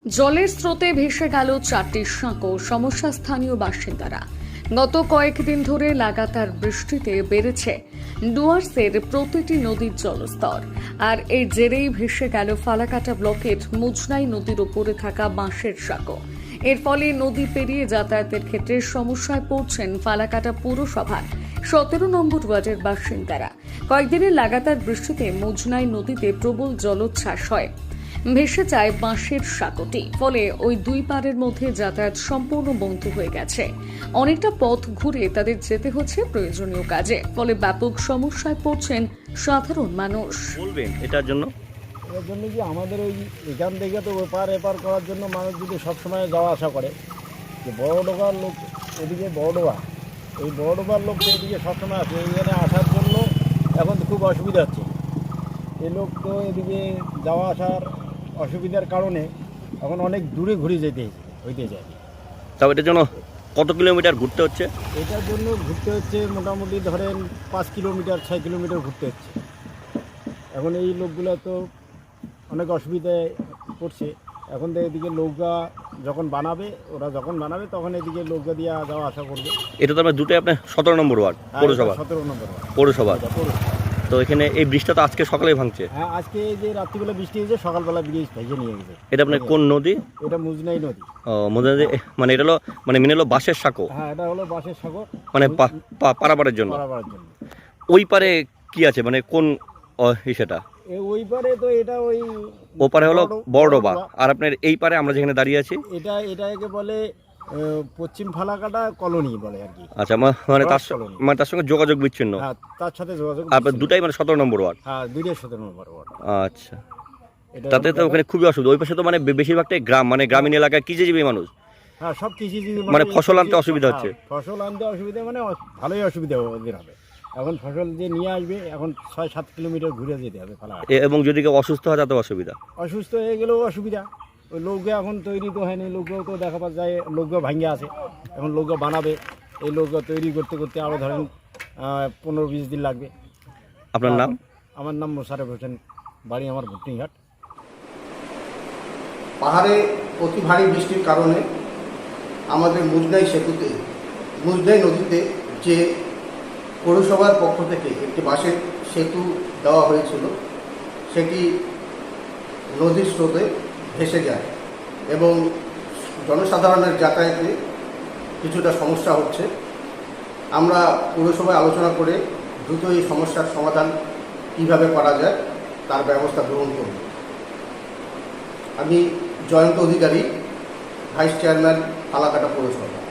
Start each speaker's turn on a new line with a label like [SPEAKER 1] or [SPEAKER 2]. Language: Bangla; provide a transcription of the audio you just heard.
[SPEAKER 1] জলের স্রোতে ভেসে গেল 4টি সাঁকো, সমস্যা স্থানীয় বাসিন্দারা। গত কয়েকদিন ধরে লাগাতার বৃষ্টিতে বেড়েছে ডুয়ার্সের প্রতিটি নদীর জলস্তর, আর এর জেরেই ভেসে গেল ফালাকাটা ব্লকের মুজনাই নদীর উপরে থাকা বাঁশের সাঁকো। এর ফলে নদী পেরিয়ে যাতায়াতের ক্ষেত্রে সমস্যায় পড়ছেন ফালাকাটা পৌরসভার 17 নম্বর ওয়ার্ডের বাসিন্দারা। কয়েকদিনের লাগাতার বৃষ্টিতে মুজনাই নদীতে প্রবল জলোচ্ছ্বাস হয়, ভেসে যায় বাঁশের সাঁকোটি। ফলে ওই দুই পাড়ের মধ্যে যাতায়াত সম্পূর্ণ বন্ধ হয়ে গেছে। অনেকটা পথ ঘুরে তাদের যেতে হচ্ছে প্রয়োজনীয় কাজে। ফলে ব্যাপক সমস্যায় পড়ছেন সাধারণ মানুষ।
[SPEAKER 2] বলবেন এটার জন্য?
[SPEAKER 3] এর জন্য কি আমাদের ওই এখান থেকে তো ওপার এপার করার জন্য মানুষ যদি সবসময় যাওয়া আসা করে, যে বড়ডোবার লোক এদিকে বড়ডোবা, এই বড়ডোবার লোক তো এদিকে সবসময় আসে, এখানে আসার জন্য এখন খুব অসুবিধা হচ্ছে। এই লোক তো এদিকে যাওয়া আসার অসুবিধার কারণে এখন অনেক দূরে ঘুরে হইতে যায়।
[SPEAKER 2] তাও এটার জন্য কত কিলোমিটার ঘুরতে হচ্ছে?
[SPEAKER 3] এটার জন্য ঘুরতে হচ্ছে মোটামুটি ধরেন 5 কিলোমিটার 6 কিলোমিটার ঘুরতে হচ্ছে। এখন এই লোকগুলো তো অনেক অসুবিধায় পড়ছে। এখন তো এদিকে নৌকা যখন বানাবে তখন এদিকে নৌকা দিয়ে যাওয়া আসা করবে।
[SPEAKER 2] এটা তো আপনার দুটোই আপনার 17 নম্বর ওয়ার্ড পৌরসভা?
[SPEAKER 3] 17 নম্বর
[SPEAKER 2] পৌরসভা। তো এখানে এই বৃষ্টিটা তো আজকে সকালে ভাঙছে?
[SPEAKER 3] হ্যাঁ, আজকে এই যে রাত্রিবেলা বৃষ্টি হয়েছে, সকালবেলা ব্রিজ ভেঙে নিয়ে গেছে।
[SPEAKER 2] এটা আপনার কোন নদী?
[SPEAKER 3] এটা মুজনাই নদী।
[SPEAKER 2] ও, মুজনাই নদী। মানে এটা হলো মেনে হলো বাঁশের সাঁকো?
[SPEAKER 3] হ্যাঁ, এটা হলো বাঁশের সাঁকো,
[SPEAKER 2] মানে পারাপারের জন্য। ওই পারে কি আছে, মানে কোন সেটা?
[SPEAKER 3] ওই পারে তো এটা ওই
[SPEAKER 2] ওপারে হলো বড়ডোবা, আর আপনার এই পারে আমরা যেখানে দাঁড়িয়ে আছি
[SPEAKER 3] এটাকে বলে পশ্চিম ফালাকাটা কলোনি বলে আর কি।
[SPEAKER 2] আচ্ছা, মানে তার সঙ্গে যোগাযোগ বিচ্ছিন্ন।
[SPEAKER 3] হ্যাঁ, তার সাথে যোগাযোগ
[SPEAKER 2] আপনার দুটাই মানে 17 নম্বর ওয়ার্ড?
[SPEAKER 3] হ্যাঁ, দুইটাই 17 নম্বর ওয়ার্ড।
[SPEAKER 2] আচ্ছা, তাতে তো ওখানে খুবই অসুবিধা। ওই পাশে তো মানে বেশিরভাগটাই গ্রাম, মানে গ্রামীণ এলাকায় কৃষিজীবী মানুষ।
[SPEAKER 3] হ্যাঁ, সব কৃষিজীবী
[SPEAKER 2] মানে ফসল আনতে অসুবিধা হচ্ছে।
[SPEAKER 3] ফসল আনতে অসুবিধা মানে ভালোই অসুবিধা ওদের হবে। এখন ফসল যে নিয়ে আসবে, এখন 6-7 কিলোমিটার ঘুরে যেতে হবে ফালাকাটা।
[SPEAKER 2] এবং যদি কেউ অসুস্থ হয় তাতে অসুবিধা।
[SPEAKER 3] অসুস্থ হয়ে গেলেও অসুবিধা। ওই নৌকা এখন তৈরি তো হয়নি, নৌকাও তো দেখা পাওয়া যায়, নৌকা ভাঙে আছে। এখন নৌকা বানাবে, এই নৌকা তৈরি করতে করতে আরও ধরেন 15-20 দিন লাগবে।
[SPEAKER 2] আপনার নাম?
[SPEAKER 3] আমার নাম মোশাররফ হোসেন, বাড়ি আমার ভুটনিঘাট।
[SPEAKER 4] পাহাড়ে অতি ভারী বৃষ্টির কারণে আমাদের মুজনাই নদীতে যে পৌরসভার পক্ষ থেকে একটি বাঁশের সেতু দেওয়া হয়েছিল, সেটি নদীর স্রোতে ভেসে যায় এবং জনসাধারণের যাতায়াতে কিছুটা সমস্যা হচ্ছে। আমরা পৌরসভায় আলোচনা করে দ্রুত এই সমস্যার সমাধান কীভাবে করা যায় তার ব্যবস্থা গ্রহণ করব। আমি জয়ন্ত অধিকারী, ভাইস চেয়ারম্যান ফালাকাটা পৌরসভা।